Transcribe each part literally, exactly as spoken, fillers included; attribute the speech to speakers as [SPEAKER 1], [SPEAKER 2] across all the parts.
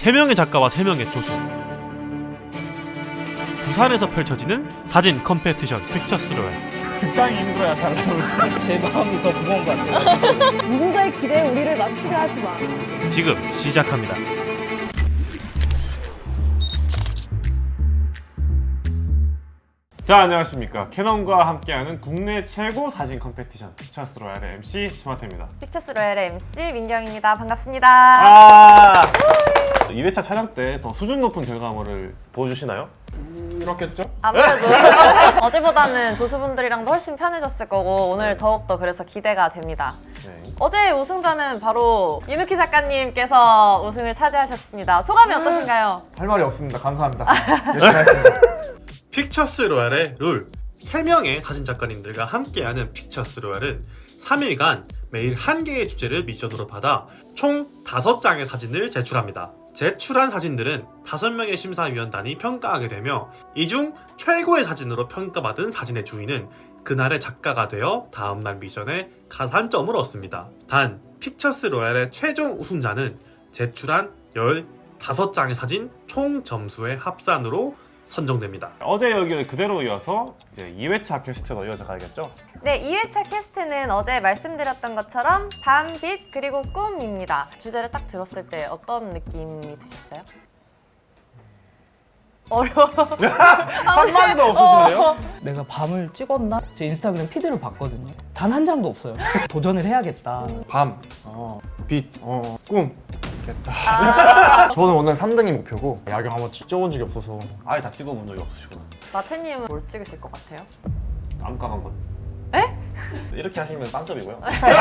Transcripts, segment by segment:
[SPEAKER 1] 세 명의 작가와 세 명의 조수. 부산에서 펼쳐지는 사진 컴페티션 픽처스 로얄.
[SPEAKER 2] 적당히 힘들어야 잘 나오지. 제 마음이 더 무거운 것 같아요.
[SPEAKER 3] 누군가의 기대에 우리를 맞추려 하지 마.
[SPEAKER 1] 지금 시작합니다. 자, 안녕하십니까. 캐논과 함께하는 국내 최고 사진 컴페티션 픽처스 로얄의 엠씨 스마트입니다.
[SPEAKER 4] 픽처스 로얄의 엠씨 민경입니다. 반갑습니다.
[SPEAKER 1] 아! 이 회차 촬영 때 더 수준 높은 결과물을 보여주시나요?
[SPEAKER 2] 그렇겠죠?
[SPEAKER 4] 아무래도 어제보다는 조수분들이랑도 훨씬 편해졌을 거고 오늘 더욱더 그래서 기대가 됩니다.
[SPEAKER 1] 네.
[SPEAKER 4] 어제 우승자는 바로 이누키 작가님께서 우승을 차지하셨습니다. 소감이 어떠신가요?
[SPEAKER 5] 할 말이 없습니다. 감사합니다. 열심히 하겠습니다.
[SPEAKER 1] 픽처스 로얄의 룰. 세 명의 사진 작가님들과 함께하는 픽처스 로얄은 삼 일간 매일 한 개의 주제를 미션으로 받아 총 다섯 장의 사진을 제출합니다. 제출한 사진들은 다섯 명의 심사위원단이 평가하게 되며 이 중 최고의 사진으로 평가받은 사진의 주인은 그날의 작가가 되어 다음날 미션에 가산점을 얻습니다. 단, 픽처스 로얄의 최종 우승자는 제출한 열다섯 장의 사진 총 점수의 합산으로 선정됩니다. 어제 여기를 그대로 이어서 이제 이 회차 퀘스트로 이어져 가야겠죠?
[SPEAKER 4] 네, 이 회차 퀘스트는 어제 말씀드렸던 것처럼 밤, 빛, 그리고 꿈입니다. 주제를 딱 들었을 때 어떤 느낌이 드셨어요? 어려워.
[SPEAKER 1] 한마디도 없으신데요?
[SPEAKER 2] 내가 밤을 찍었나? 제 인스타그램 피드를 봤거든요. 단 한 장도 없어요. 도전을 해야겠다.
[SPEAKER 6] 밤, 어, 빛, 어, 꿈. 겠다.
[SPEAKER 4] 아,
[SPEAKER 5] 저는 오늘 삼 등이 목표고 야경 한번 찍어본 적이 없어서
[SPEAKER 1] 아예 다 찍어본 적이 없으시구나.
[SPEAKER 4] 마태님은 뭘 찍으실 것 같아요?
[SPEAKER 1] 암각 한번.
[SPEAKER 4] 에?
[SPEAKER 1] 이렇게 하시면 빵점이고요.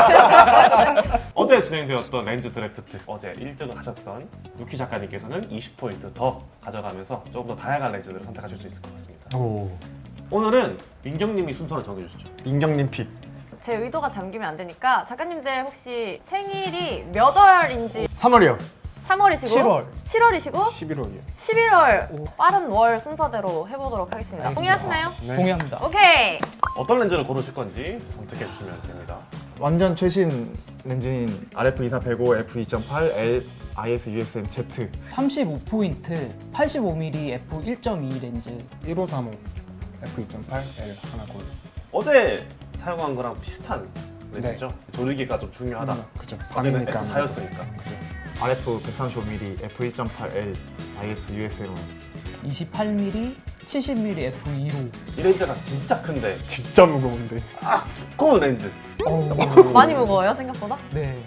[SPEAKER 1] 어제 진행되었던 렌즈 드래프트, 어제 일 등을 하셨던 루키 작가님께서는 이십 포인트 더 가져가면서 조금 더 다양한 렌즈들을 선택하실 수 있을 것 같습니다.
[SPEAKER 5] 오
[SPEAKER 1] 오늘은 민경님이 순서를 정해주시죠.
[SPEAKER 5] 민경님 픽.
[SPEAKER 4] 제 의도가 담기면 안 되니까 작가님들 혹시 생일이 몇 월인지
[SPEAKER 5] 삼월이요.
[SPEAKER 4] 삼월이시고
[SPEAKER 2] 칠월.
[SPEAKER 4] 칠월이시고
[SPEAKER 6] 십일월이요.
[SPEAKER 4] 십일월 빠른 월 순서대로 해보도록 하겠습니다. 동의하시나요?
[SPEAKER 6] 네.
[SPEAKER 2] 동의합니다.
[SPEAKER 4] 오케이.
[SPEAKER 1] 어떤 렌즈를 고르실 건지 선택해 주시면 됩니다.
[SPEAKER 5] 완전 최신 렌즈인 알에프 이사 백오 에프 이 점 팔 L 아이에스 유에스엠 Z.
[SPEAKER 2] 삼십오 포인트, 팔십오 밀리미터 에프 일 점 이 렌즈.
[SPEAKER 6] 일오삼오 에프 이 점 팔 L 하나 고르겠습니다.
[SPEAKER 1] 어제 사용한 거랑 비슷한 렌즈죠? 조리기가 좀 중요하다.
[SPEAKER 6] 음, 그죠.
[SPEAKER 1] 어제는
[SPEAKER 6] 밤이니까.
[SPEAKER 1] 에프 사였으니까.
[SPEAKER 5] 알에프 백삼십오 밀리미터 에프 일 점 팔 L 아이에스 유에스엠
[SPEAKER 2] 이십팔 밀리미터, 칠십 밀리미터 에프 이로.
[SPEAKER 1] 이 렌즈가 진짜 큰데
[SPEAKER 6] 진짜 무거운데.
[SPEAKER 1] 두꺼운 렌즈.
[SPEAKER 2] 어우,
[SPEAKER 4] 많이 무거워요 생각보다?
[SPEAKER 2] 네.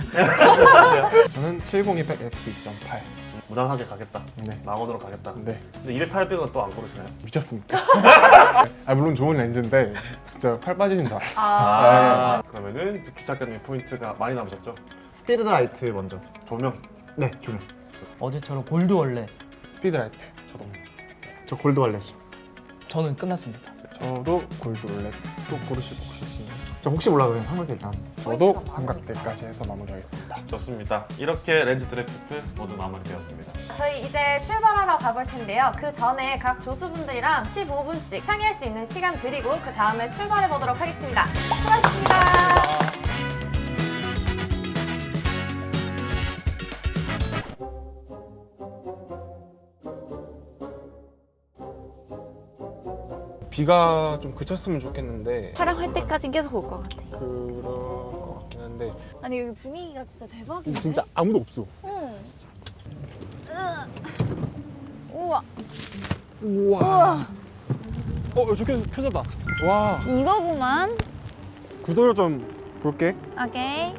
[SPEAKER 6] 저는 칠공이백 에프 이 점 팔.
[SPEAKER 1] 무난하게 가겠다.
[SPEAKER 6] 네.
[SPEAKER 1] 망원으로 가겠다.
[SPEAKER 6] 네.
[SPEAKER 1] 근데 이백, 팔백은 또 안 고르시나요?
[SPEAKER 6] 미쳤습니다. 아, 물론 좋은 렌즈인데 진짜 팔 빠지는 줄 알았어.
[SPEAKER 1] 아, 그러면은 루키 작가님 포인트가 많이 남으셨죠?
[SPEAKER 5] 스피드 라이트 먼저.
[SPEAKER 1] 조명.
[SPEAKER 5] 네 조명.
[SPEAKER 2] 어제처럼 골드 원래.
[SPEAKER 6] 스피드라이트.
[SPEAKER 1] 저도.
[SPEAKER 5] 저 골드 wallet.
[SPEAKER 2] 저는 끝났습니다.
[SPEAKER 6] 저도 골드 롤렛. 또 고르실 거 혹시?
[SPEAKER 5] 저 혹시 몰라도 그냥 삼각대 일단.
[SPEAKER 6] 저도 삼각대까지 해서 마무리하겠습니다.
[SPEAKER 1] 좋습니다. 이렇게 렌즈 드래프트 모두 마무리되었습니다.
[SPEAKER 4] 저희 이제 출발하러 가볼 텐데요. 그 전에 각 조수분들이랑 십오 분씩 상의할 수 있는 시간 드리고 그 다음에 출발해 보도록 하겠습니다. 수고하셨습니다.
[SPEAKER 6] 비가 좀 그쳤으면 좋겠는데
[SPEAKER 3] 촬영할 때까진 계속 올 것 같아.
[SPEAKER 6] 그럴 것 같긴 한데
[SPEAKER 3] 아니 여기 분위기가 진짜 대박이네.
[SPEAKER 6] 진짜 아무도 없어.
[SPEAKER 3] 응. 우와.
[SPEAKER 6] 우와. 어, 저기 켜졌다. 와.
[SPEAKER 3] 이거구만.
[SPEAKER 6] 구도를 좀 볼게.
[SPEAKER 3] 오케이.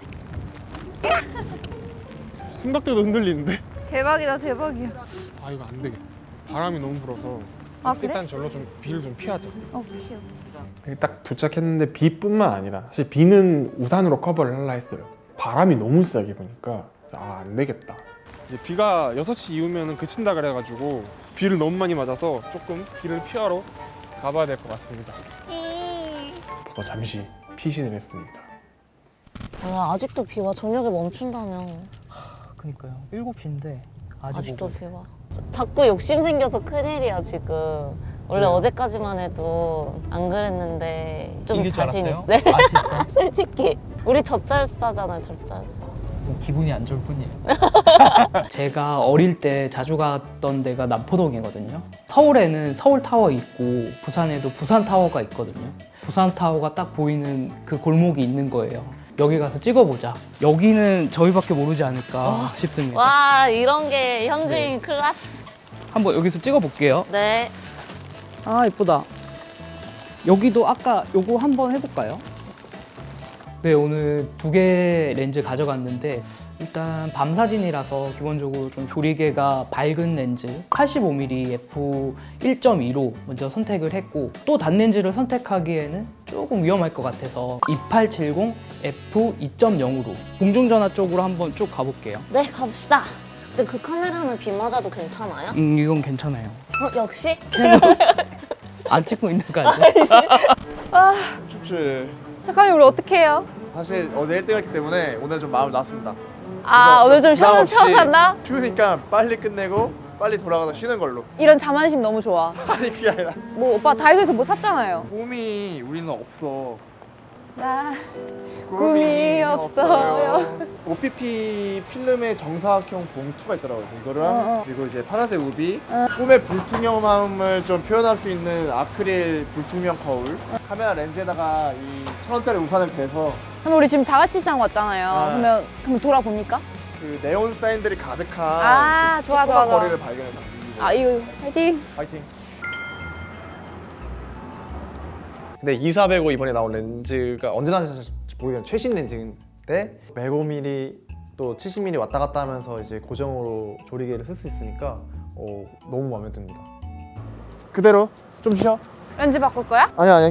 [SPEAKER 6] 삼각대도 흔들리는데.
[SPEAKER 3] 대박이다 대박이야.
[SPEAKER 6] 아, 이거 안 되겠다. 바람이 너무 불어서
[SPEAKER 3] 아 그래?
[SPEAKER 6] 일단 절로 좀 비를 좀 피하자.
[SPEAKER 3] 어 귀여워.
[SPEAKER 6] 여기 딱 도착했는데 비뿐만 아니라 사실 비는 우산으로 커버를 하려 했어요. 바람이 너무 세게 부니까 아, 안 되겠다. 이제 비가 여섯 시 이후면 그친다 그래가지고 비를 너무 많이 맞아서 조금 비를 피하러 가봐야 될 것 같습니다. 그래서 잠시 피신을 했습니다.
[SPEAKER 7] 아, 아직도 비 와. 저녁에 멈춘다며.
[SPEAKER 2] 그니까요. 일곱 시인데 아직
[SPEAKER 7] 아직도
[SPEAKER 2] 오고.
[SPEAKER 7] 비 와. 자, 자꾸 욕심 생겨서 큰일이야 지금. 원래
[SPEAKER 2] 왜요?
[SPEAKER 7] 어제까지만 해도 안 그랬는데 좀
[SPEAKER 2] 이길 줄
[SPEAKER 7] 자신 있어.
[SPEAKER 2] 알았어요?
[SPEAKER 7] 네.
[SPEAKER 2] 아 진짜?
[SPEAKER 7] 솔직히 우리 젖잘싸잖아요, 젖잘싸.
[SPEAKER 2] 뭐 기분이 안 좋을 뿐이에요. 제가 어릴 때 자주 갔던 데가 남포동이거든요. 서울에는 서울타워 있고 부산에도 부산타워가 있거든요. 부산타워가 딱 보이는 그 골목이 있는 거예요. 여기 가서 찍어보자. 여기는 저희밖에 모르지 않을까 싶습니다.
[SPEAKER 7] 와 이런 게 현지인 클래스.
[SPEAKER 2] 한번 여기서 찍어볼게요.
[SPEAKER 7] 네.
[SPEAKER 2] 아 이쁘다. 여기도 아까 요거 한번 해볼까요? 네, 오늘 두 개 렌즈 가져갔는데 일단 밤 사진이라서 기본적으로 좀 조리개가 밝은 렌즈 팔십오 밀리미터 에프 일 점 이로 먼저 선택을 했고, 또 단렌즈를 선택하기에는 조금 위험할 것 같아서 이팔칠공 에프 이 점 영으로 공중전화 쪽으로 한번 쭉 가볼게요.
[SPEAKER 7] 네 갑시다. 근데 그 카메라는 비 맞아도 괜찮아요?
[SPEAKER 2] 음, 이건 괜찮아요.
[SPEAKER 7] 어, 역시?
[SPEAKER 2] 안 찍고 있는 거 아니죠?
[SPEAKER 5] 춥지.
[SPEAKER 3] 잠깐만, 우리 어떻게 해요?
[SPEAKER 5] 사실 어제 일 등 했기 때문에 오늘 좀 마음을 놨습니다.
[SPEAKER 3] 아,
[SPEAKER 5] 그래서
[SPEAKER 3] 오늘 좀
[SPEAKER 5] 부담
[SPEAKER 3] 쉬어,
[SPEAKER 5] 없이
[SPEAKER 3] 쉬어 간다?
[SPEAKER 5] 추우니까 빨리 끝내고 빨리 돌아가서 쉬는 걸로.
[SPEAKER 3] 이런 자만심 너무 좋아.
[SPEAKER 5] 아니 그게 아니라
[SPEAKER 3] 뭐 오빠 다이소에서 뭐 샀잖아요.
[SPEAKER 5] 꿈이 우리는 없어.
[SPEAKER 3] 나 꿈이 없어요.
[SPEAKER 5] 오피피 필름의 정사각형 봉투가 있더라고요. 이거랑
[SPEAKER 3] 어, 어.
[SPEAKER 5] 그리고 이제 파란색 우비, 꿈의 불투명함을 좀 표현할 수 있는 아크릴 불투명 거울, 카메라 렌즈에다가 이 천 원짜리 우산을 대서
[SPEAKER 3] 그럼 우리 지금 자가치상 왔잖아요.
[SPEAKER 5] 아.
[SPEAKER 3] 그러면 그럼 돌아봅니까?
[SPEAKER 5] 그 네온 사인들이 가득한
[SPEAKER 3] 아,
[SPEAKER 5] 그
[SPEAKER 3] 좋아,
[SPEAKER 5] 조그만
[SPEAKER 3] 좋아, 좋아.
[SPEAKER 5] 거리를 발견했다.
[SPEAKER 3] 아, 이거 화이팅.
[SPEAKER 5] 파이팅.
[SPEAKER 8] 근데 이사백오 이번에 나온 렌즈가 언제나 사실 모르겠는데 최신 렌즈인데 백오 밀리미터 또 칠십 밀리미터 왔다 갔다 하면서 이제 고정으로 조리개를 쓸 수 있으니까 어, 너무 마음에 듭니다.
[SPEAKER 5] 그대로 좀 쉬어.
[SPEAKER 3] 렌즈 바꿀 거야?
[SPEAKER 5] 아니 아니.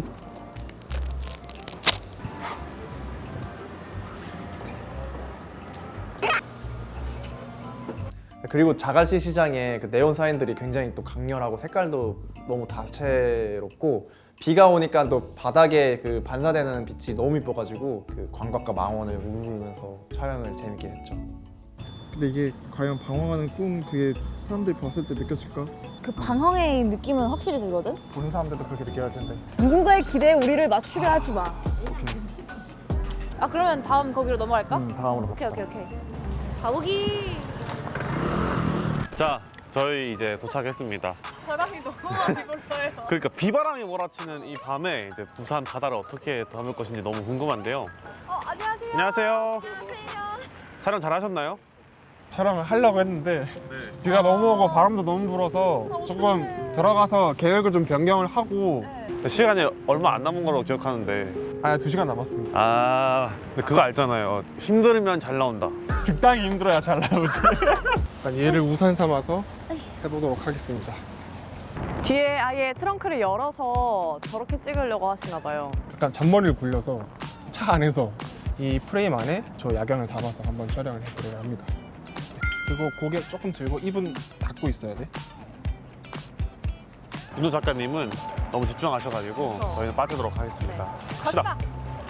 [SPEAKER 8] 그리고 자갈치 시장에 그 네온 사인들이 굉장히 또 강렬하고 색깔도 너무 다채롭고 비가 오니까 또 바닥에 그 반사되는 빛이 너무 이뻐가지고 그 광각과 망원을 우르르면서 촬영을 재밌게 했죠.
[SPEAKER 5] 근데 이게 과연 방황하는 꿈 그게 사람들이 봤을 때 느껴질까?
[SPEAKER 3] 그 방황의 느낌은 확실히 들거든?
[SPEAKER 5] 보는 사람들도 그렇게 느껴야 할 텐데.
[SPEAKER 3] 누군가의 기대에 우리를 맞추려 하지 마. 아, 그러면 다음 거기로 넘어갈까?
[SPEAKER 5] 음, 다음으로
[SPEAKER 3] 오케이,
[SPEAKER 5] 갑시다.
[SPEAKER 3] 오케이, 오케이. 가보기.
[SPEAKER 1] 자, 저희 이제 도착했습니다.
[SPEAKER 3] 바람이 너무 많이 불어요.
[SPEAKER 1] 그러니까 비바람이 몰아치는 이 밤에 이제 부산 바다를 어떻게 담을 것인지 너무 궁금한데요.
[SPEAKER 3] 어, 안녕하세요.
[SPEAKER 1] 안녕하세요.
[SPEAKER 3] 안녕하세요.
[SPEAKER 1] 촬영 잘 하셨나요?
[SPEAKER 6] 촬영을 하려고 했는데 비가 너무 오고 바람도 너무 불어서 조금 들어가서 계획을 좀 변경을 하고
[SPEAKER 1] 시간이 얼마 안 남은 걸로 기억하는데.
[SPEAKER 6] 아, 두 시간 남았습니다.
[SPEAKER 1] 아, 근데 그거 알잖아요. 힘들면 잘 나온다.
[SPEAKER 6] 적당히 힘들어야 잘 나오지. 일단 얘를 우산 삼아서 해보도록 하겠습니다.
[SPEAKER 4] 뒤에 아예 트렁크를 열어서 저렇게 찍으려고 하시나 봐요.
[SPEAKER 6] 약간 잔머리를 굴려서 차 안에서 이 프레임 안에 저 야경을 담아서 한번 촬영을 해보려고 합니다. 그리고 고개 조금 들고 입은 닫고 있어야 돼.
[SPEAKER 1] 윤호 작가님은 너무 집중하셔가지고 저희는 빠지도록 하겠습니다. 갑시다.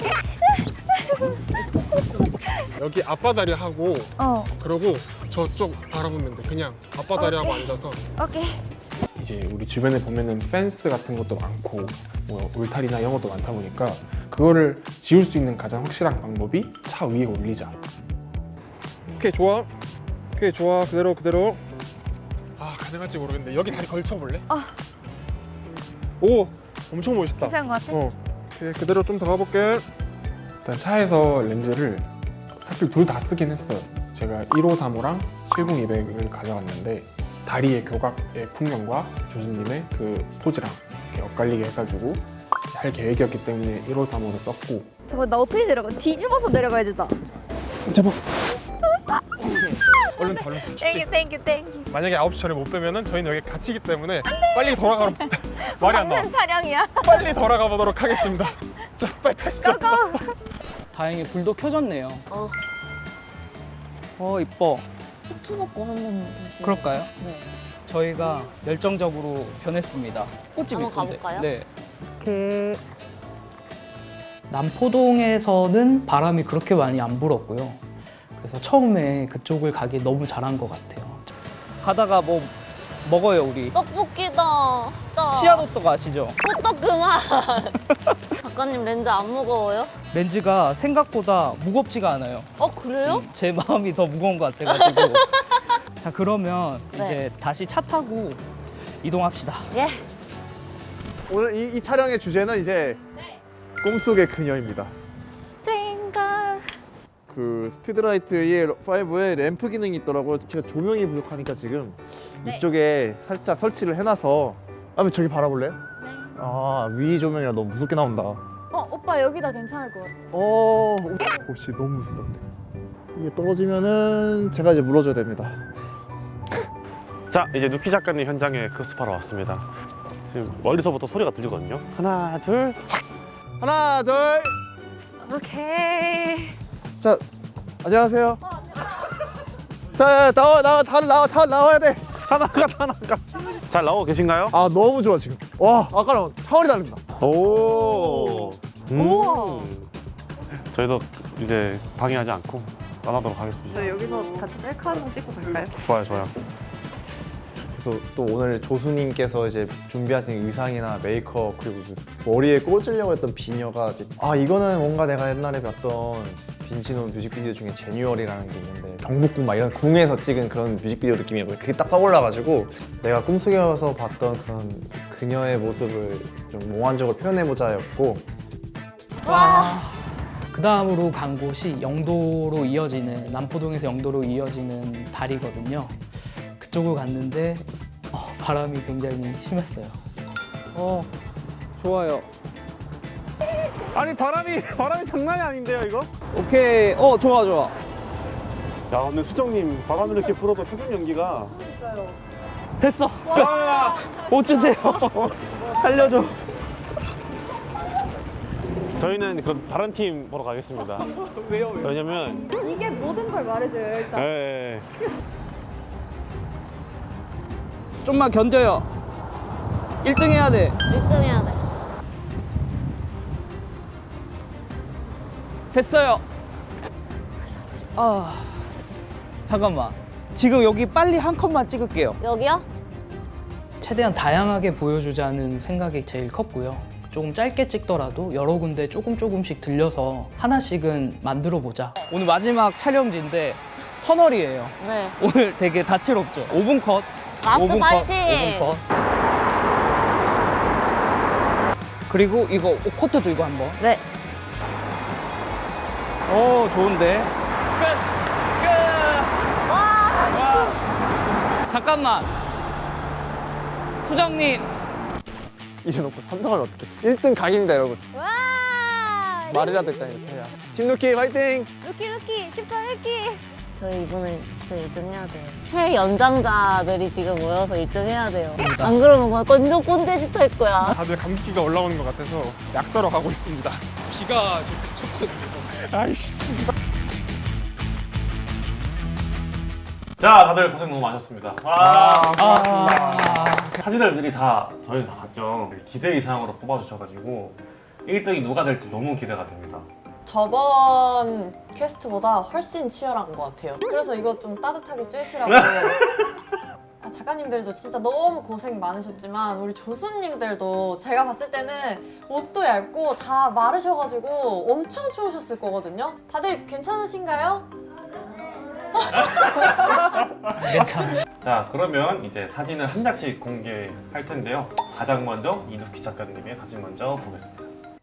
[SPEAKER 6] 여기 앞바다리 하고
[SPEAKER 3] 어,
[SPEAKER 6] 그러고 저쪽 바라보면 돼. 그냥 앞바다리 하고 앉아서.
[SPEAKER 3] 오케이.
[SPEAKER 6] 이제 우리 주변에 보면은 펜스 같은 것도 많고 뭐 울타리나 이런 것도 많다 보니까 그거를 지울 수 있는 가장 확실한 방법이 차 위에 올리자. 오케이, 좋아. 오케이, 좋아. 그대로 그대로. 아, 가능할지 모르겠는데 여기 다리 걸쳐볼래?
[SPEAKER 3] 아.
[SPEAKER 6] 오, 엄청 멋있다.
[SPEAKER 3] 괜찮은 것 같아?
[SPEAKER 6] 어. 오케이, 그대로 좀 더 가볼게. 일단 차에서 렌즈를 사실 둘 다 쓰긴 했어요. 제가 일오삼오랑 칠공이백을 가져갔는데 다리의 교각의 풍경과 교수님의 그 포즈랑 이렇게 엇갈리게 해가지고 할 계획이었기 때문에 일오삼오를 썼고.
[SPEAKER 3] 잠깐, 나 어떻게 내려가? 뒤집어서 내려가야 된다.
[SPEAKER 6] 잡아. 얼른 더, 얼른 더. 춥지?
[SPEAKER 3] 땡큐, 땡큐, 땡큐.
[SPEAKER 6] 만약에 아홉 시 전에 못 빼면은 저희는 여기 갇히기 때문에 빨리 돌아가. 말이 안 나와.
[SPEAKER 3] 방금 촬영이야.
[SPEAKER 6] 빨리 돌아가 보도록 하겠습니다. 자, 빨리 타시죠.
[SPEAKER 3] 고고.
[SPEAKER 2] 다행히 불도 켜졌네요.
[SPEAKER 7] 어,
[SPEAKER 2] 어, 이뻐.
[SPEAKER 7] 후투 먹고 한번 다시.
[SPEAKER 2] 그럴까요?
[SPEAKER 7] 네.
[SPEAKER 2] 저희가 열정적으로 변했습니다. 꽃집
[SPEAKER 7] 한번
[SPEAKER 2] 이쁜데.
[SPEAKER 7] 가볼까요?
[SPEAKER 2] 네. 이렇게 남포동에서는 바람이 그렇게 많이 안 불었고요. 그래서 처음에 그쪽을 가기 너무 잘한 것 같아요. 가다가 뭐 먹어요 우리.
[SPEAKER 7] 떡볶이다. 떡.
[SPEAKER 2] 시아도떡 아시죠?
[SPEAKER 7] 호떡 그만. 작가님 렌즈 안 무거워요?
[SPEAKER 2] 렌즈가 생각보다 무겁지가 않아요.
[SPEAKER 7] 어 그래요?
[SPEAKER 2] 제 마음이 더 무거운 것 같아가지고. 자 그러면
[SPEAKER 7] 네.
[SPEAKER 2] 이제 다시 차 타고 이동합시다.
[SPEAKER 7] 예.
[SPEAKER 5] 오늘 이, 이 촬영의 주제는 이제 꿈속의 그녀입니다.
[SPEAKER 7] 찡걸.
[SPEAKER 5] 그 스피드라이트 오에 램프 기능이 있더라고요. 제가 조명이 부족하니까 지금 이쪽에 살짝 설치를 해놔서 아, 저기 바라볼래요?
[SPEAKER 3] 네.
[SPEAKER 5] 아, 위 조명이라 너무 무섭게 나온다.
[SPEAKER 3] 어, 오빠 여기다 괜찮을 것 같아.
[SPEAKER 5] 어, 혹시 너무 무섭다. 이게 떨어지면은 제가 이제 물어줘야 됩니다.
[SPEAKER 1] 자, 이제 누키 작가님 현장에 급습하러 왔습니다. 지금 멀리서부터 소리가 들리거든요. 하나, 둘.
[SPEAKER 5] 하나, 둘.
[SPEAKER 3] 오케이.
[SPEAKER 5] 자, 안녕하세요. 자, 나와, 나와, 다 나와, 다 나와야 돼.
[SPEAKER 1] 하나가 하나가. 잘 나오고 계신가요?
[SPEAKER 5] 아, 너무 좋아 지금. 와, 아까랑 차원이 다릅니다.
[SPEAKER 1] 오. 음.
[SPEAKER 3] 우와.
[SPEAKER 1] 저희도 이제 방해하지 않고 떠나도록 하겠습니다.
[SPEAKER 9] 저희 여기서 같이 셀카 한 번 찍고 갈까요?
[SPEAKER 1] 좋아요, 좋아요.
[SPEAKER 8] 그래서 또 오늘 조수님께서 이제 준비하신 의상이나 메이크업 그리고 그 머리에 꽂으려고 했던 비녀가 이제 아 이거는 뭔가 내가 옛날에 봤던 빈지노 뮤직비디오 중에 제뉴얼이라는 게 있는데 경복궁 막 이런 궁에서 찍은 그런 뮤직비디오 느낌이 그게 딱 떠올라가지고 내가 꿈속에서 봤던 그런 그녀의 모습을 좀 몽환적으로 표현해보자였고
[SPEAKER 2] 그 다음으로 간 곳이 영도로 이어지는 남포동에서 영도로 이어지는 다리거든요. 그쪽을 갔는데 어, 바람이 굉장히 심했어요. 어 좋아요.
[SPEAKER 1] 아니 바람이 바람이 장난이 아닌데요, 이거?
[SPEAKER 2] 오케이. 어 좋아 좋아.
[SPEAKER 1] 야, 근데 수정님 바람을 이렇게 불어도 표정 연기가.
[SPEAKER 2] 됐어. 끝. 옷 주세요. 살려줘.
[SPEAKER 1] 저희는 그 다른 팀 보러 가겠습니다.
[SPEAKER 5] 왜요?
[SPEAKER 1] 왜냐면
[SPEAKER 3] 이게 모든 걸 말해줘요, 일단.
[SPEAKER 1] 예, 예.
[SPEAKER 2] 좀만 견뎌요. 일 등 해야 돼.
[SPEAKER 7] 일 등 해야 돼.
[SPEAKER 2] 됐어요. 아 잠깐만. 지금 여기 빨리 한 컷만 찍을게요.
[SPEAKER 7] 여기요?
[SPEAKER 2] 최대한 다양하게 보여주자는 생각이 제일 컸고요. 조금 짧게 찍더라도 여러 군데 조금 조금씩 들려서 하나씩은 만들어 보자. 오늘 마지막 촬영지인데 터널이에요.
[SPEAKER 7] 네.
[SPEAKER 2] 오늘 되게 다채롭죠. 오 분 컷.
[SPEAKER 7] 라스트
[SPEAKER 2] 오 분
[SPEAKER 7] 파이팅!
[SPEAKER 2] 컷, 오 분 컷. 그리고 이거 코트 들고 한번.
[SPEAKER 7] 네.
[SPEAKER 2] 오 좋은데. 끝. 끝. 와. 잠깐만. 수정님.
[SPEAKER 8] 이래놓고 선정하면 어떡해 일 등 각입니다 여러분
[SPEAKER 3] 와!
[SPEAKER 8] 말이라도 일단 이렇게 해야 팀 누키 화이팅!
[SPEAKER 3] 루키, 루키, 십팔 루키.
[SPEAKER 7] 저희 이번에 진짜 일 등 해야 돼요. 최연장자들이 지금 모여서 일 등 해야 돼요. 안 그러면 완전 꼰대짓 할 거야.
[SPEAKER 6] 다들 감기가 올라오는 것 같아서 약 사러 가고 있습니다.
[SPEAKER 2] 비가 지금 그쳤거든요.
[SPEAKER 6] 아이씨.
[SPEAKER 1] 자, 다들 고생 너무 많으셨습니다. 와,
[SPEAKER 2] 아.
[SPEAKER 1] 사진을 미리 다 저희도 다 봤죠. 기대 이상으로 뽑아주셔가지고 일 등이 누가 될지 너무 기대가 됩니다.
[SPEAKER 4] 저번 퀘스트보다 훨씬 치열한 것 같아요. 그래서 이거 좀 따뜻하게 쬐시라고. 아, 작가님들도 진짜 너무 고생 많으셨지만 우리 조수님들도 제가 봤을 때는 옷도 얇고 다 마르셔가지고 엄청 추우셨을 거거든요. 다들 괜찮으신가요?
[SPEAKER 2] 괜찮아.
[SPEAKER 1] 자, 그러면 이제 사진을 한 장씩 공개할 텐데요. 가장 먼저 이누키 작가님의 사진 먼저 보겠습니다.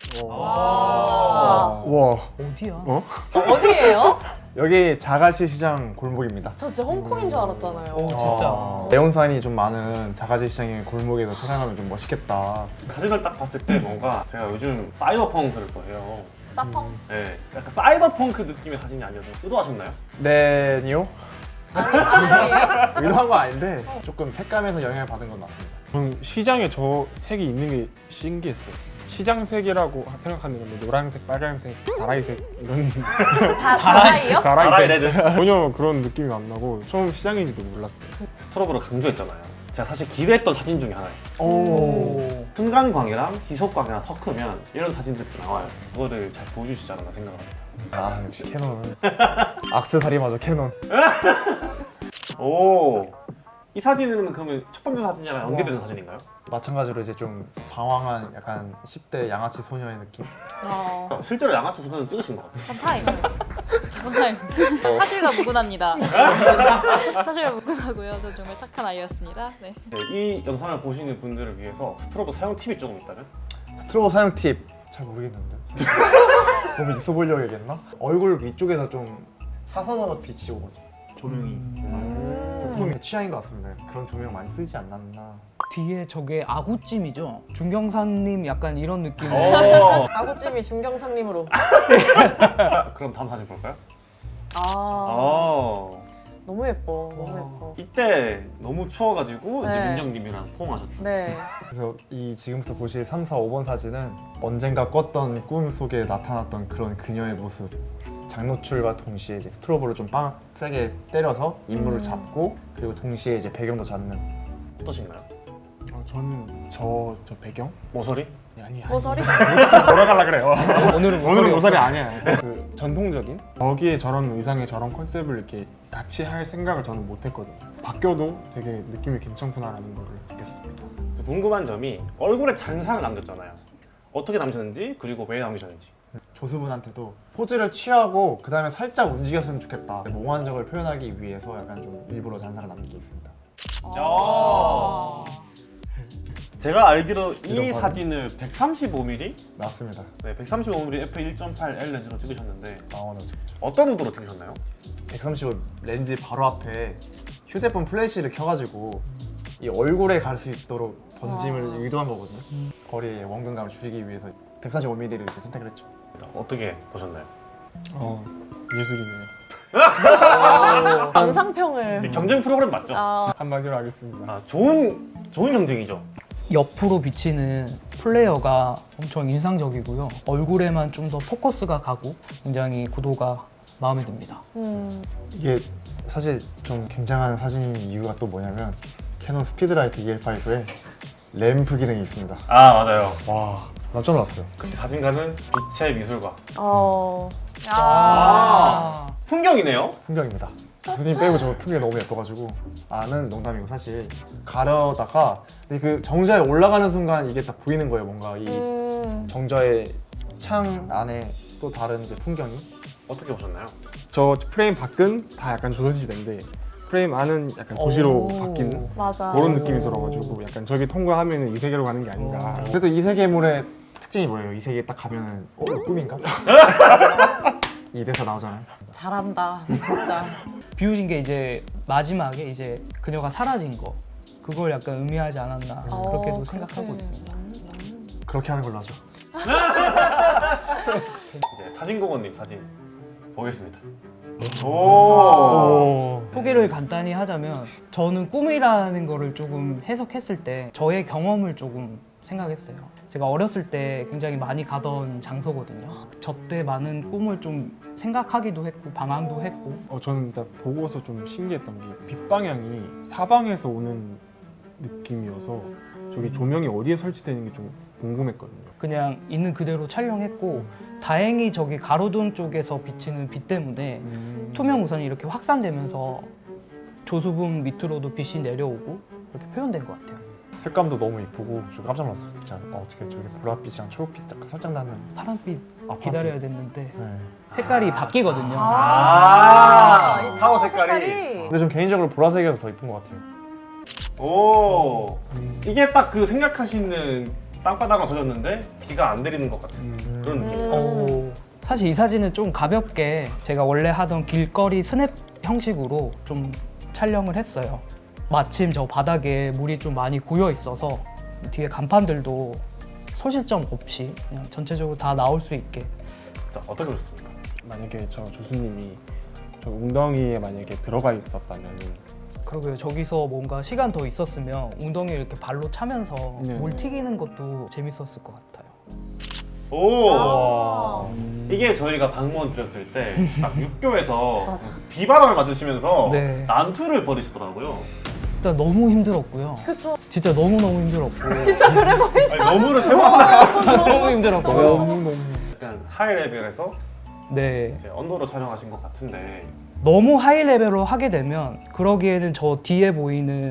[SPEAKER 4] 와.
[SPEAKER 5] 와,
[SPEAKER 2] 어디야?
[SPEAKER 5] 어?
[SPEAKER 4] 어디예요?
[SPEAKER 8] 여기 자갈치 시장 골목입니다
[SPEAKER 4] 저 진짜 홍콩인 줄 알았잖아요.
[SPEAKER 2] 오 진짜.
[SPEAKER 8] 네온사인이 좀 많은 자갈치 시장의 골목에서 촬영하면 좀 멋있겠다
[SPEAKER 1] 사진을 딱 봤을 때 뭔가 제가 요즘 사이버펑크를 거예요.
[SPEAKER 4] 사펑?
[SPEAKER 1] 네, 약간 사이버펑크 느낌의 사진이 아니어서 의도하셨나요?
[SPEAKER 8] 네, 니요?
[SPEAKER 4] 아니, 아니에요?
[SPEAKER 8] 의도한 건 아닌데 조금 색감에서 영향을 받은 건 맞습니다
[SPEAKER 6] 저는 시장에 저 색이 있는 게 신기했어요. 시장색이라고 생각하는 건데 노란색, 빨간색, 다라이색 이런
[SPEAKER 4] 다 다라이요?
[SPEAKER 1] 아라이
[SPEAKER 6] 다라이색
[SPEAKER 1] 레드.
[SPEAKER 6] 전혀 그런 느낌이 안 나고 처음 시장인지도 몰랐어요.
[SPEAKER 1] 스트로브를 강조했잖아요. 제가 사실 기대했던 사진 중에 하나예요.
[SPEAKER 2] 오.
[SPEAKER 1] 순간광이랑 희석광이랑 섞으면 이런 사진들이 나와요. 그거를 잘 보여주시지 않았나 생각합니다.
[SPEAKER 8] 아 역시 캐논 악세사리마저 캐논
[SPEAKER 1] 오, 이 사진은 그러면 첫 번째 사진이랑 연계되는 사진인가요?
[SPEAKER 8] 마찬가지로 이제 좀 방황한 약간 십 대 양아치 소녀의 느낌?
[SPEAKER 4] 어,
[SPEAKER 1] 실제로 양아치 소녀는 찍으신 것 같아요.
[SPEAKER 3] 타임. 저번 타임. 사실과 무근합니다. 사실과 무근하고요. 저 정말 착한 아이였습니다. 네.
[SPEAKER 1] 네, 이 영상을 보시는 분들을 위해서 스트로보 사용 팁이 조금 있다면?
[SPEAKER 8] 스트로보 사용 팁 잘 모르겠는데 너무 있어 보이려고 얘기했나? 얼굴 위쪽에서 좀 사선으로 빛이 오거든요. 조명이
[SPEAKER 4] 음.
[SPEAKER 8] 조금 취향인 것 같습니다. 그런 조명 많이 쓰지 않았나.
[SPEAKER 2] 뒤에 저게 아구찜이죠? 중경사님 약간 이런 느낌.
[SPEAKER 1] 어.
[SPEAKER 4] 아구찜이 중경상님으로.
[SPEAKER 1] 그럼 다음 사진 볼까요?
[SPEAKER 4] 아,
[SPEAKER 1] 어.
[SPEAKER 4] 너무 예뻐. 너무 예뻐.
[SPEAKER 1] 이때 너무 추워가지고 이제
[SPEAKER 4] 네.
[SPEAKER 1] 민정님이랑 포옹하셨죠.
[SPEAKER 4] 네.
[SPEAKER 8] 그래서 이 지금부터 보실 삼, 사, 오 번 사진은 언젠가 꿨던 꿈 속에 나타났던 그런 그녀의 모습. 장노출과 동시에 이제 스트로보를 좀 빵 세게 때려서 인물을
[SPEAKER 4] 음.
[SPEAKER 8] 잡고 그리고 동시에 이제 배경도 잡는.
[SPEAKER 1] 어떠신가요?
[SPEAKER 6] 어, 저는 저, 저 배경?
[SPEAKER 1] 모서리?
[SPEAKER 6] 아니 아니
[SPEAKER 4] 모서리?
[SPEAKER 6] 돌아가려 그래요.
[SPEAKER 2] 오늘은
[SPEAKER 6] 오늘은 모서리
[SPEAKER 2] 없어요.
[SPEAKER 6] 아니야. 그 전통적인 거기에 저런 의상에 저런 컨셉을 이렇게 같이 할 생각을 저는 못했거든요. 바뀌어도 되게 느낌이 괜찮구나라는 걸 느꼈습니다.
[SPEAKER 1] 궁금한 점이 얼굴에 잔상을 남겼잖아요. 어떻게 남기셨는지 그리고 왜 남기셨는지.
[SPEAKER 8] 조수분한테도 포즈를 취하고 그 다음에 살짝 움직였으면 좋겠다. 몽환적을 표현하기 위해서 약간 좀 일부러 잔상을 남기게 있습니다.
[SPEAKER 1] 야. 제가 알기로 이
[SPEAKER 8] 이런
[SPEAKER 1] 사진을 백삼십오 밀리미터?
[SPEAKER 8] 맞습니다.
[SPEAKER 1] 네, 백삼십오 밀리미터 에프 일 점 팔 엘 렌즈로 찍으셨는데
[SPEAKER 8] 망원을 찍죠.
[SPEAKER 1] 어떤 의도로 찍으셨나요?
[SPEAKER 8] 백삼십오 렌즈 바로 앞에 휴대폰 플래시를 켜가지고 이 얼굴에 갈 수 있도록 번짐을
[SPEAKER 4] 아.
[SPEAKER 8] 의도한 거거든요. 거리의 원근감을 줄이기 위해서 백삼십오 밀리미터를 이제 선택을 했죠.
[SPEAKER 1] 어떻게 보셨나요?
[SPEAKER 6] 어 예술이네요.
[SPEAKER 4] 어, 감상평을.
[SPEAKER 1] 경쟁 프로그램 맞죠?
[SPEAKER 4] 아,
[SPEAKER 6] 한마디로 하겠습니다.
[SPEAKER 1] 아, 좋은 좋은 경쟁이죠.
[SPEAKER 2] 옆으로 비치는 플레이어가 엄청 인상적이고요. 얼굴에만 좀 더 포커스가 가고 굉장히 구도가 마음에 듭니다.
[SPEAKER 4] 음.
[SPEAKER 8] 이게 사실 좀 굉장한 사진인 이유가 또 뭐냐면 캐논 스피드라이트 이엘오에 램프 기능이 있습니다.
[SPEAKER 1] 아 맞아요.
[SPEAKER 8] 와 깜짝 놀랐어요.
[SPEAKER 1] 역시 사진가는 빛의 미술과
[SPEAKER 4] 어. 야.
[SPEAKER 2] 아,
[SPEAKER 1] 풍경이네요.
[SPEAKER 8] 풍경입니다. 교수님 빼고 저 풍경이 너무 예뻐가지고 아는 농담이고 사실 가려다가 근데 그 정자에 올라가는 순간 이게 딱 보이는 거예요. 뭔가 이
[SPEAKER 4] 음.
[SPEAKER 8] 정자의 창 안에 또 다른 이제 풍경이.
[SPEAKER 1] 어떻게 보셨나요?
[SPEAKER 6] 저 프레임 밖은 다 약간 조선시대인데 프레임 안은 약간 도시로
[SPEAKER 2] 오.
[SPEAKER 6] 바뀌는
[SPEAKER 4] 맞아.
[SPEAKER 6] 그런 느낌이 들어가지고 약간 저기 통과하면 이 세계로 가는 게 아닌가.
[SPEAKER 8] 그래도 이 세계물의 특징이 뭐예요? 이 세계에 딱 가면은 어? 이거 꿈인가? 이 대사 나오잖아요.
[SPEAKER 4] 잘한다. 진짜.
[SPEAKER 2] 비우신 게 이제 마지막에 이제 그녀가 사라진 거 그걸 약간 의미하지 않았나 그렇게도
[SPEAKER 4] 어,
[SPEAKER 2] 생각하고
[SPEAKER 4] 그렇게.
[SPEAKER 2] 있습니다.
[SPEAKER 8] 그렇게 하는 걸로 하죠.
[SPEAKER 1] 이제 사진공원님 사진 보겠습니다. 오.
[SPEAKER 8] 오.
[SPEAKER 2] 소개를 간단히 하자면 저는 꿈이라는 거를 조금 해석했을 때 저의 경험을 조금 생각했어요. 제가 어렸을 때 굉장히 많이 가던 장소거든요. 저때 많은 꿈을 좀 생각하기도 했고 방황도 했고
[SPEAKER 6] 어, 저는 일단 보고서 좀 신기했던 게 빛 방향이 사방에서 오는 느낌이어서 저기 조명이 어디에 설치되는 게 좀 궁금했거든요.
[SPEAKER 2] 그냥 있는 그대로 촬영했고 다행히 저기 가로등 쪽에서 비치는 빛 때문에
[SPEAKER 6] 음.
[SPEAKER 2] 투명 우선이 이렇게 확산되면서 조수분 밑으로도 빛이 내려오고 그렇게 표현된 것 같아요.
[SPEAKER 8] 색감도 너무 이쁘고 저 깜짝 놀랐어요. 진짜 어, 어떻게 저기 보랏빛이랑 초록빛 약간 살짝 나는.
[SPEAKER 2] 파란빛
[SPEAKER 8] 아,
[SPEAKER 2] 기다려야 됐는데
[SPEAKER 8] 네.
[SPEAKER 2] 색깔이 바뀌거든요.
[SPEAKER 1] 아,
[SPEAKER 4] 이
[SPEAKER 1] 타워 색깔이.
[SPEAKER 8] 근데 전 개인적으로 보라색이 더 이쁜 것 같아요.
[SPEAKER 1] 오. 이게 딱 그 생각하시는 땅바닥은 젖었는데 비가 안 내리는 것 같은
[SPEAKER 6] 음.
[SPEAKER 1] 그런 느낌.
[SPEAKER 4] 음.
[SPEAKER 2] 어, 사실 이 사진은 좀 가볍게 제가 원래 하던 길거리 스냅 형식으로 좀 촬영을 했어요. 마침 저 바닥에 물이 좀 많이 고여 있어서 뒤에 간판들도 소실점 없이 그냥 전체적으로 다 나올 수 있게.
[SPEAKER 1] 자, 어떻게 보셨습니까?
[SPEAKER 6] 만약에 저 조수님이 저 웅덩이에 만약에 들어가 있었다면
[SPEAKER 2] 그러고요. 저기서 뭔가 시간 더 있었으면 웅덩이 이렇게 발로 차면서
[SPEAKER 6] 네네.
[SPEAKER 2] 물 튀기는 것도 재밌었을 것 같아요.
[SPEAKER 1] 오.
[SPEAKER 4] 아.
[SPEAKER 1] 이게 저희가 방문 드렸을 때 딱 육교에서 비바람을 맞으시면서
[SPEAKER 2] 네.
[SPEAKER 1] 난투를 벌이시더라고요.
[SPEAKER 2] 일단 너무 힘들었고요.
[SPEAKER 4] 그쵸.
[SPEAKER 2] 진짜 너무너무 힘들었고.
[SPEAKER 4] 진짜 그래 보이죠?
[SPEAKER 1] 아니, 너무를 세 번 하나
[SPEAKER 2] 너무 힘들었고요.
[SPEAKER 6] 너무 너무
[SPEAKER 1] 약간 하이 레벨에서
[SPEAKER 2] 네.
[SPEAKER 1] 이제 언더로 촬영하신 것 같은데
[SPEAKER 2] 너무 하이 레벨로 하게 되면 그러기에는 저 뒤에 보이는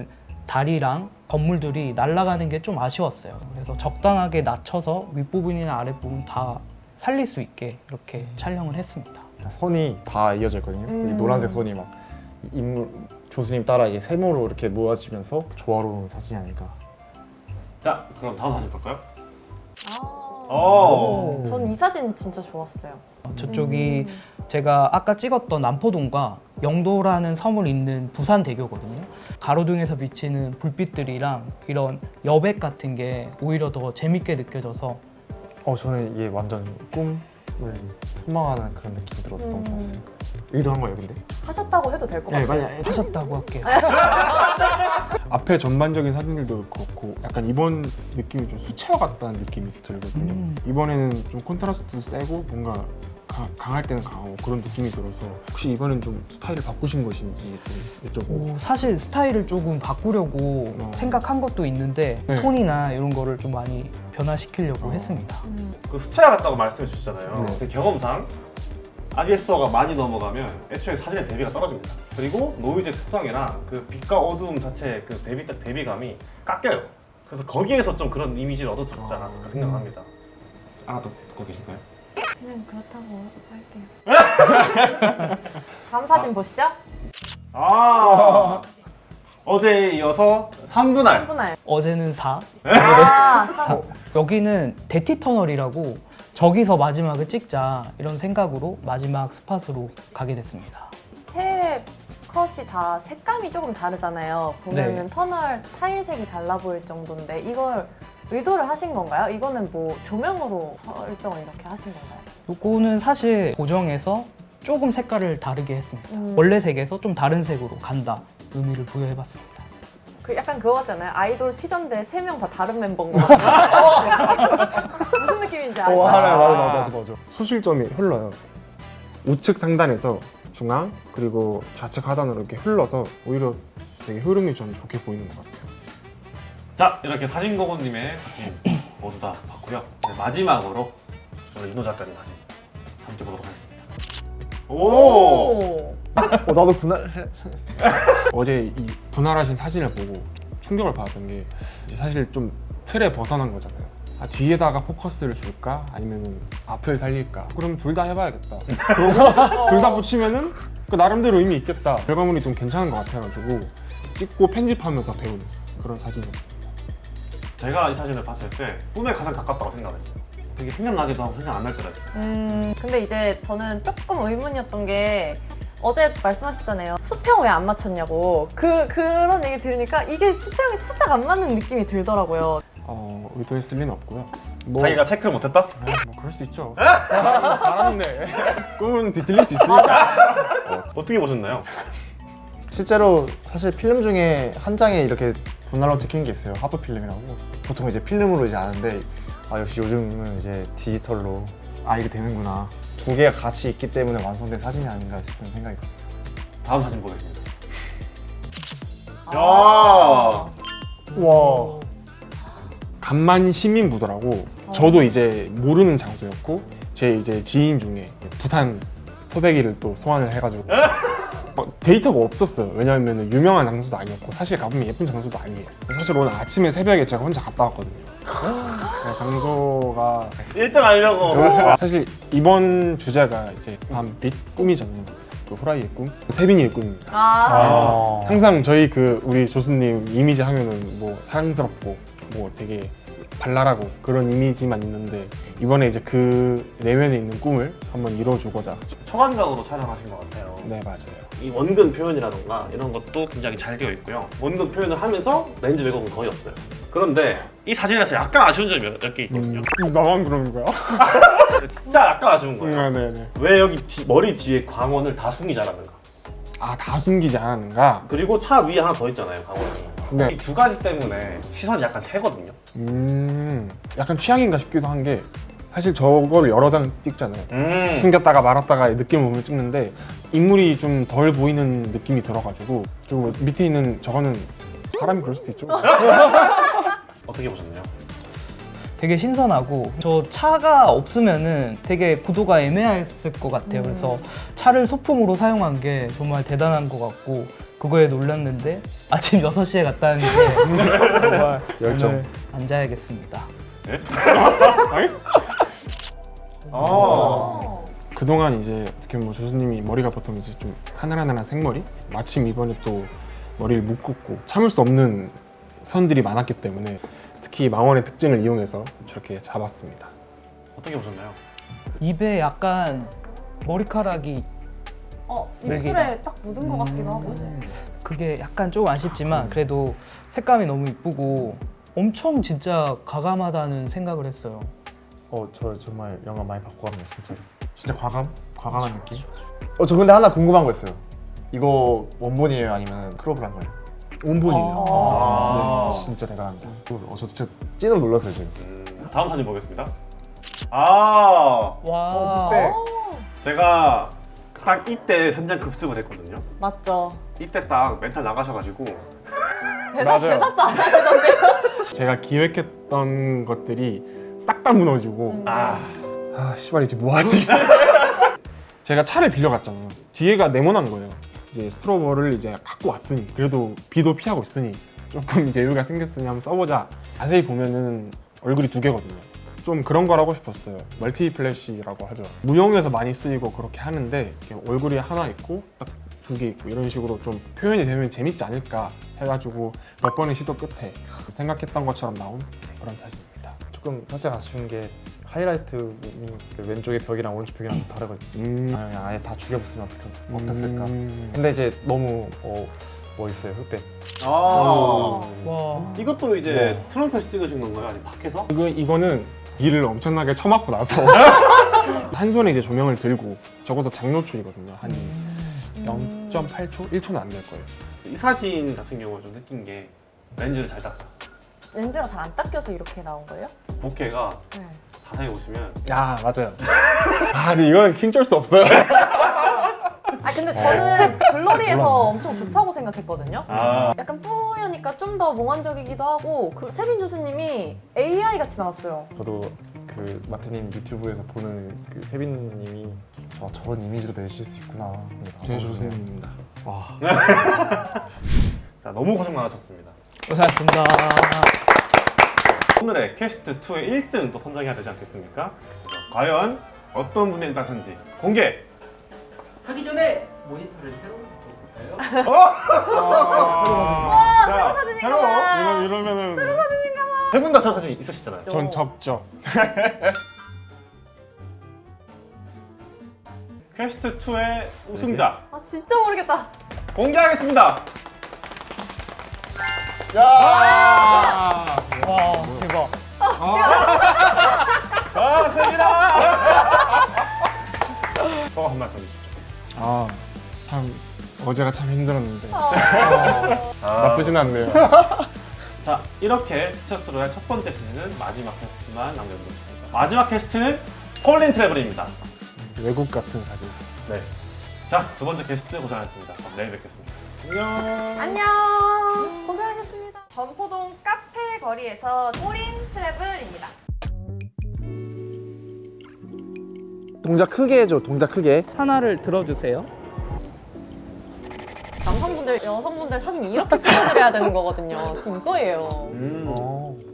[SPEAKER 2] 다리랑 건물들이 날아가는 게 좀 아쉬웠어요. 그래서 적당하게 낮춰서 윗부분이나 아랫부분 다 살릴 수 있게 이렇게 촬영을 했습니다.
[SPEAKER 8] 선이 다 이어져 있거든요.
[SPEAKER 4] 음.
[SPEAKER 8] 여기 노란색 선이 막 인물 조수님 따라 이게 세모로 이렇게 모아지면서 조화로운 사진이 아닐까.
[SPEAKER 1] 자, 그럼 다음 사진 볼까요?
[SPEAKER 4] 아,
[SPEAKER 1] 오.
[SPEAKER 4] 전 이 사진 진짜 좋았어요.
[SPEAKER 2] 저쪽이
[SPEAKER 4] 음.
[SPEAKER 2] 제가 아까 찍었던 남포동과 영도라는 섬을 잇는 부산대교거든요. 가로등에서 비치는 불빛들이랑 이런 여백 같은 게 오히려 더 재밌게 느껴져서
[SPEAKER 8] 어 저는 이게 완전 꿈을 소망하는 그런 느낌이 들어서 너무
[SPEAKER 4] 음.
[SPEAKER 8] 좋았어요. 의도한 거예요, 근데?
[SPEAKER 4] 하셨다고 해도 될 것 같아요.
[SPEAKER 2] 하셨다고 할게요.
[SPEAKER 6] 앞에 전반적인 사진들도 그렇고 약간 이번 느낌이 좀 수채화 같다는 느낌이 들거든요.
[SPEAKER 2] 음.
[SPEAKER 6] 이번에는 좀 콘트라스트도 세고 뭔가 가- 강할 때는 강하고 그런 느낌이 들어서 혹시 이번엔 좀 스타일을 바꾸신 것인지 좀 여쭤보고.
[SPEAKER 2] 오, 사실 스타일을 조금 바꾸려고
[SPEAKER 6] 어.
[SPEAKER 2] 생각한 것도 있는데
[SPEAKER 6] 네.
[SPEAKER 2] 톤이나 이런 거를 좀 많이 변화시키려고
[SPEAKER 6] 어.
[SPEAKER 2] 했습니다.
[SPEAKER 4] 음.
[SPEAKER 1] 그 수채화 같다고 말씀해 주셨잖아요.
[SPEAKER 6] 네.
[SPEAKER 1] 그 경험상 아이에스오가 많이 넘어가면 애초에 사진의 대비가 떨어집니다. 그리고 노이즈의 특성이랑 그 빛과 어두움 자체의 그 대비 대비감이 깎여요. 그래서 거기에서 좀 그런 이미지를 얻어들었지 않았을까 생각합니다. 하나 더 듣고 계실까요?
[SPEAKER 4] 그냥 그렇다고 할게요. 다음 사진 보시죠.
[SPEAKER 1] 아 어제에 이어서 삼 분할.
[SPEAKER 4] 삼 분할.
[SPEAKER 2] 어제는 사,
[SPEAKER 4] 아, 삼.
[SPEAKER 2] 여기는 대티터널이라고 저기서 마지막을 찍자 이런 생각으로 마지막 스팟으로 가게 됐습니다.
[SPEAKER 4] 세 컷이 다 색감이 조금 다르잖아요. 보면은
[SPEAKER 2] 네.
[SPEAKER 4] 터널 타일색이 달라 보일 정도인데 이걸 의도를 하신 건가요? 이거는 뭐 조명으로 설정을 이렇게 하신 건가요?
[SPEAKER 2] 요거는 사실 고정해서 조금 색깔을 다르게 했습니다.
[SPEAKER 4] 음.
[SPEAKER 2] 원래 색에서 좀 다른 색으로 간다 의미를 부여해봤습니다.
[SPEAKER 4] 그 약간 그거 같잖아요. 아이돌 티저인데 세 명 다 다른 멤버인 거 같아요. 무슨 느낌인지 알죠?
[SPEAKER 8] 오, 알아요. 맞아, 맞아, 맞아, 맞아.
[SPEAKER 6] 소실점이 흘러요. 우측 상단에서 중앙 그리고 좌측 하단으로 이렇게 흘러서 오히려 되게 흐름이 좀 좋게 보이는 것 같아요.
[SPEAKER 1] 자 이렇게 사진고고님의 사진 모두 다 봤고요. 이제 마지막으로 저는 이노 작가님 사진 함께 보도록 하겠습니다. 오.
[SPEAKER 4] 오.
[SPEAKER 8] 어, 나도 분할.
[SPEAKER 6] 어제 이 분할하신 사진을 보고 충격을 받았던 게 이제 사실 좀 틀에 벗어난 거잖아요. 아, 뒤에다가 포커스를 줄까? 아니면 앞을 살릴까? 그럼 둘 다 해봐야겠다. 그러고 둘 다 붙이면은 그 나름대로 의미 있겠다. 결과물이 좀 괜찮은 것 같아가지고 찍고 편집하면서 배우는 그런 사진이었어요.
[SPEAKER 1] 제가 이 사진을 봤을 때 꿈에 가장 가깝다고 생각했어요. 되게 생각나기도 하고 생각 안 날 때가 있어요.
[SPEAKER 4] 음, 근데 이제 저는 조금 의문이었던 게 어제 말씀하셨잖아요. 수평 왜 안 맞췄냐고. 그 그런 얘기 들으니까 이게 수평이 살짝 안 맞는 느낌이 들더라고요.
[SPEAKER 6] 어, 의도했을 리는 없고요. 뭐,
[SPEAKER 1] 자기가 체크를 못했다?
[SPEAKER 6] 아, 뭐 그럴 수 있죠. 사람인데 꿈은 뒤틀릴 수 있으니까.
[SPEAKER 1] 어떻게 보셨나요?
[SPEAKER 8] 실제로 사실 필름 중에 한 장에 이렇게 분할로 찍힌 게 있어요. 하프 필름이라고. 보통 이제 필름으로 이제 아는데 아 역시 요즘은 이제 디지털로 아 이게 되는구나. 두 개가 같이 있기 때문에 완성된 사진이 아닌가 싶은 생각이 들었어요.
[SPEAKER 1] 다음 사진 보겠습니다. 야.
[SPEAKER 8] 와.
[SPEAKER 6] 간만 시민부더라고. 저도 이제 모르는 장소였고 제 이제 지인 중에 부산 토백이를 또 소환을 해가지고 어, 데이터가 없었어요. 왜냐하면 유명한 장소도 아니었고 사실 가보면 예쁜 장소도 아니에요. 사실 오늘 아침에 새벽에 제가 혼자 갔다 왔거든요. 네, 장소가
[SPEAKER 1] 일 등 하려고.
[SPEAKER 6] 사실 이번 주제가 이제 밤빛 꿈이 젖는 그 후라이의 꿈, 세빈이의 꿈입니다.
[SPEAKER 4] 아,
[SPEAKER 8] 아.
[SPEAKER 6] 항상 저희 그 우리 조수님 이미지 하면은 뭐 사랑스럽고 뭐 되게 발랄하고 그런 이미지만 있는데 이번에 이제 그 내면에 있는 꿈을 한번 이뤄주고자.
[SPEAKER 1] 초간각으로 촬영하신 것 같아요.
[SPEAKER 6] 네 맞아요.
[SPEAKER 1] 이 원근 표현이라던가 이런 것도 굉장히 잘 되어 있고요. 원근 표현을 하면서 렌즈 왜곡은 거의 없어요. 그런데 이 사진에서 약간 아쉬운 점이 몇 개 있거든요.
[SPEAKER 6] 음, 나만 그러는 거야?
[SPEAKER 1] 진짜 약간 아쉬운 거예요.
[SPEAKER 6] 네네네.
[SPEAKER 1] 왜 여기 뒤- 머리 뒤에 광원을 다 숨기지 않았는가?
[SPEAKER 6] 아 다 숨기지 않았는가?
[SPEAKER 1] 그리고 차 위에 하나 더 있잖아요, 광원이.
[SPEAKER 6] 네.
[SPEAKER 1] 이 두 가지 때문에 시선이 약간 새거든요.
[SPEAKER 6] 음 약간 취향인가 싶기도 한 게 사실 저걸 여러 장 찍잖아요.
[SPEAKER 1] 음.
[SPEAKER 6] 숨겼다가 말았다가 느낌을 보면 찍는데 인물이 좀 덜 보이는 느낌이 들어가지고 좀 밑에 있는 저거는 사람이 그럴 수도 있죠.
[SPEAKER 1] 어떻게 보셨나요?
[SPEAKER 2] 되게 신선하고 저 차가 없으면은 되게 구도가 애매했을 것 같아요. 그래서 차를 소품으로 사용한 게 정말 대단한 것 같고 그거에 놀랐는데 아침 여섯 시에 갔다는 게 정말
[SPEAKER 8] 열정.
[SPEAKER 2] 오늘 안 자야겠습니다.
[SPEAKER 1] 어.
[SPEAKER 6] 그동안 이제 어떻게 뭐 조수님이 머리가 보통 이제 좀 하늘하늘한 생머리? 마침 이번에 또 머리를 묶었고 참을 수 없는 선들이 많았기 때문에 특히 망원의 특징을 이용해서 저렇게 잡았습니다.
[SPEAKER 1] 어떻게 보셨나요?
[SPEAKER 2] 입에 약간 머리카락이
[SPEAKER 4] 어,
[SPEAKER 2] 네
[SPEAKER 4] 입술에 딱 묻은 것 같기도 하고.
[SPEAKER 2] 그게 약간 조금 아쉽지만 그래도 색감이 너무 이쁘고 엄청 진짜 과감하다는 생각을 했어요.
[SPEAKER 8] 어, 저 정말 영감 많이 받고 갑니다, 진짜로. 진짜 과감? 과감한 느낌? 어, 저 근데 하나 궁금한 거 있어요. 이거 원본이에요, 아니면 크롭을 한 거예요?
[SPEAKER 6] 원본이에요.
[SPEAKER 1] 아.
[SPEAKER 8] 네, 진짜 대단합니다. 어, 저 진짜 찐으로 놀랐어요, 지금.
[SPEAKER 1] 음, 다음 사진 보겠습니다. 아,
[SPEAKER 2] 와.
[SPEAKER 8] 네.
[SPEAKER 1] 제가 딱 이때 현장 급습을 했거든요.
[SPEAKER 4] 맞죠.
[SPEAKER 1] 이때 딱 멘탈 나가셔가지고
[SPEAKER 4] 대답,
[SPEAKER 6] 맞아요.
[SPEAKER 4] 대답도 안 하시던데요?
[SPEAKER 6] 제가 기획했던 것들이 싹 다 무너지고
[SPEAKER 1] 아,
[SPEAKER 6] 아 씨발 이제 뭐하지? 제가 차를 빌려갔잖아요. 뒤에가 네모난 거예요. 이제 스트로버를 이제 갖고 왔으니 그래도 비도 피하고 있으니 조금 여유가 생겼으니 한번 써보자. 자세히 보면은 얼굴이 두 개거든요. 좀 그런 걸 하고 싶었어요. 멀티 플래시라고 하죠. 무용에서 많이 쓰이고 그렇게 하는데 이렇게 얼굴이 하나 있고 딱 두 개 있고 이런 식으로 좀 표현이 되면 재밌지 않을까 해가지고 몇 번의 시도 끝에 생각했던 것처럼 나온 그런 사진입니다.
[SPEAKER 8] 조금 사실 아쉬운 게 하이라이트 그 왼쪽의 벽이랑 오른쪽 벽이랑 다르거든요.
[SPEAKER 6] 음.
[SPEAKER 8] 아, 그냥 아예 다 죽여봤으면 어떡, 어땠을까.
[SPEAKER 6] 음.
[SPEAKER 8] 근데 이제 너무 어, 멋있어요, 흑백.
[SPEAKER 1] 아,
[SPEAKER 2] 와.
[SPEAKER 1] 이것도 이제
[SPEAKER 8] 네.
[SPEAKER 1] 트럼프에서 찍으신 건가요? 아니 밖에서?
[SPEAKER 6] 이거, 이거는 일을 엄청나게 쳐맞고 나서 한 손에 이제 조명을 들고 적어도 장노출이거든요. 한 영 점 팔 초? 일 초는 안 될 거예요.
[SPEAKER 1] 이 사진 같은 경우는 좀 느낀 게 렌즈를 잘 땄다.
[SPEAKER 4] 렌즈가 잘 안 닦여서 이렇게 나온 거예요?
[SPEAKER 1] 복개가
[SPEAKER 4] 네.
[SPEAKER 1] 자세히 보시면
[SPEAKER 6] 야 맞아요. 아 근데 이거는 킹쩔 수 없어요.
[SPEAKER 4] 아 근데 저는 블러리에서 엄청 좋다고 생각했거든요.
[SPEAKER 1] 아,
[SPEAKER 4] 약간 뿌여니까 좀 더 몽환적이기도 하고 그 세빈 교수님이 에이아이 같이 나왔어요.
[SPEAKER 8] 저도 그 마태님 유튜브에서 보는 그 세빈님이 저 저런 이미지로 내실 수 있구나.
[SPEAKER 6] 제 조수님입니다.
[SPEAKER 8] 와.
[SPEAKER 1] 자, 너무 고생 많으셨습니다.
[SPEAKER 2] 고생하셨습니다.
[SPEAKER 1] 오늘의 캐스트 투의 일 등 또 선정해야 되지 않겠습니까? 과연 어떤 분의 일 당선지 공개!
[SPEAKER 10] 하기 전에 모니터를 새로 볼까요?
[SPEAKER 1] 자, 새로!
[SPEAKER 6] 이러, 이러면은
[SPEAKER 1] 세 분 다 새로 사진 있으시잖아요.
[SPEAKER 6] 전 적죠.
[SPEAKER 1] 퀘스트 투의 우승자
[SPEAKER 4] 아 진짜 모르겠다.
[SPEAKER 1] 공개하겠습니다.
[SPEAKER 2] 와, 대박.
[SPEAKER 1] 고맙습니다. 소감 한 말씀 해주시죠.
[SPEAKER 6] 아 참 어제가 참 힘들었는데
[SPEAKER 1] 아,
[SPEAKER 6] 나쁘진 않네요.
[SPEAKER 1] 자, 이렇게 피처스로의 첫 번째 시즌은 마지막 퀘스트만 남겨두겠습니다. 마지막 퀘스트는 폴린 트래블입니다.
[SPEAKER 6] 외국 같은 사진.
[SPEAKER 1] 네. 자, 두 번째 게스트 고생하셨습니다. 그럼 내일 뵙겠습니다. 안녕.
[SPEAKER 4] 안녕. 고생하셨습니다. 전포동 카페 거리에서 폴린 트래블입니다.
[SPEAKER 8] 동작 크게 해줘, 동작 크게.
[SPEAKER 2] 하나를 들어주세요.
[SPEAKER 4] 남성분들, 여성분들 사진 이렇게 찍어드려야 되는 거거든요. 지금 이거예요.
[SPEAKER 1] 음.
[SPEAKER 8] 어.